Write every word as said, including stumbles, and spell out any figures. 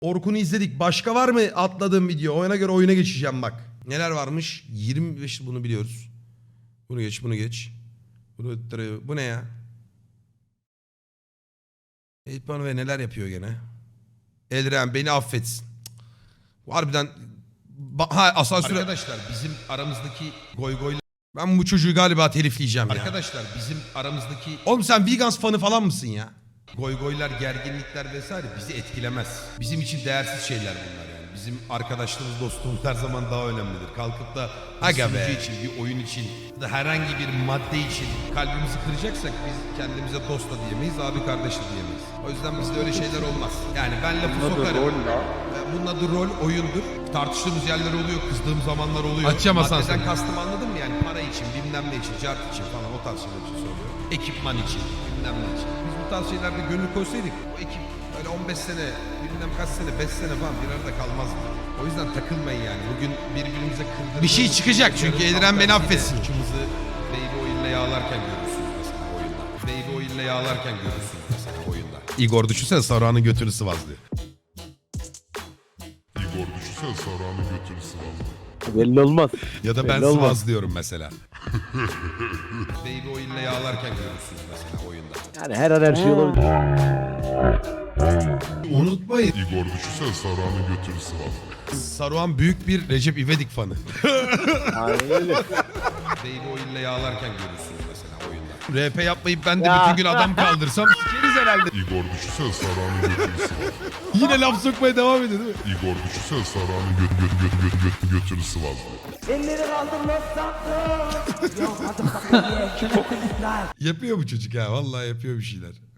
Orkun'u izledik. Başka var mı atladığım video? Oyuna göre oyuna geçeceğim bak. Neler varmış? yirmi beş bunu biliyoruz. Bunu geç, bunu geç. Bunu, bu ne ya? Eğitmen ve neler yapıyor gene? Elren beni affetsin. Harbiden ha, asansör... Arkadaşlar bizim aramızdaki goy goy... Ben bu çocuğu galiba telifleyeceğim ya. Arkadaşlar bizim aramızdaki... Oğlum sen Vegans fanı falan mısın ya? Goy goylar, gerginlikler vesaire bizi etkilemez. Bizim için değersiz şeyler bunlar yani. Bizim arkadaşlığımız, dostluğumuz her zaman daha önemlidir. Kalkıp da bir sunucu için, bir oyun için, da herhangi bir madde için kalbimizi kıracaksak biz kendimize dost da diyemeyiz, abi kardeş de diyemeyiz. O yüzden bizde öyle şeyler olmaz. Yani ben lafı sokarım. Bunun adı rol, oyundur. Tartıştığımız yerler oluyor, kızdığım zamanlar oluyor. Açacağım asansörü. Maddeden kastım anladın mı yani? Para için, bilmem ne için, cart için falan o tarz şeyler için söylüyorum. Ekipman için, bilmem ne için. Biz bu tarz şeylerde gönül koysaydık o ekip öyle on beş sene, bilmem kaç sene, beş sene falan bir arada kalmazdı. O yüzden takılmayın yani. Bugün birbirimize kırdığımız... Bir şey çıkacak çünkü Elren beni affetsin. Uçumuzu baby oil'le yağlarken görürsünüz mesela oyunda. Baby oil'le yağlarken görürsünüz mesela oyunda. Igor düşünsene Saruhan'ın götünü sıvazlıyor. Igor düşünsene Saruhan'ın götünü sıvazlıyor. Belli olmaz. Ya da ben Belli olmaz. sıvazlıyorum mesela. Baby oil'le yağlarken görürsünüz mesela oyunda. Yani her an her şey olabilir. Unutmayın. Igor düşünsene Saruhan'ın götünü sıvazlıyor. Saruhan büyük bir Recep İvedik fanı. Aynen öyle. Baby oil'le yağlarken görürsünüz mesela oyunda. R P yapmayıp ben de Ya. bütün gün adam kaldırsam sikeriz herhalde. Igor düşünsene Saruhan'ın götünü sıvazlıyor. Yine laf sokmaya devam ediyor değil mi? Igor düşünsene Saruhan'ın göt, göt, göt, göt, göt, götünü sıvazlıyor. Elleri kaldır Los Santos. Yok hadi bakalım. Yapıyor bu çocuk ha vallahi yapıyor bir şeyler.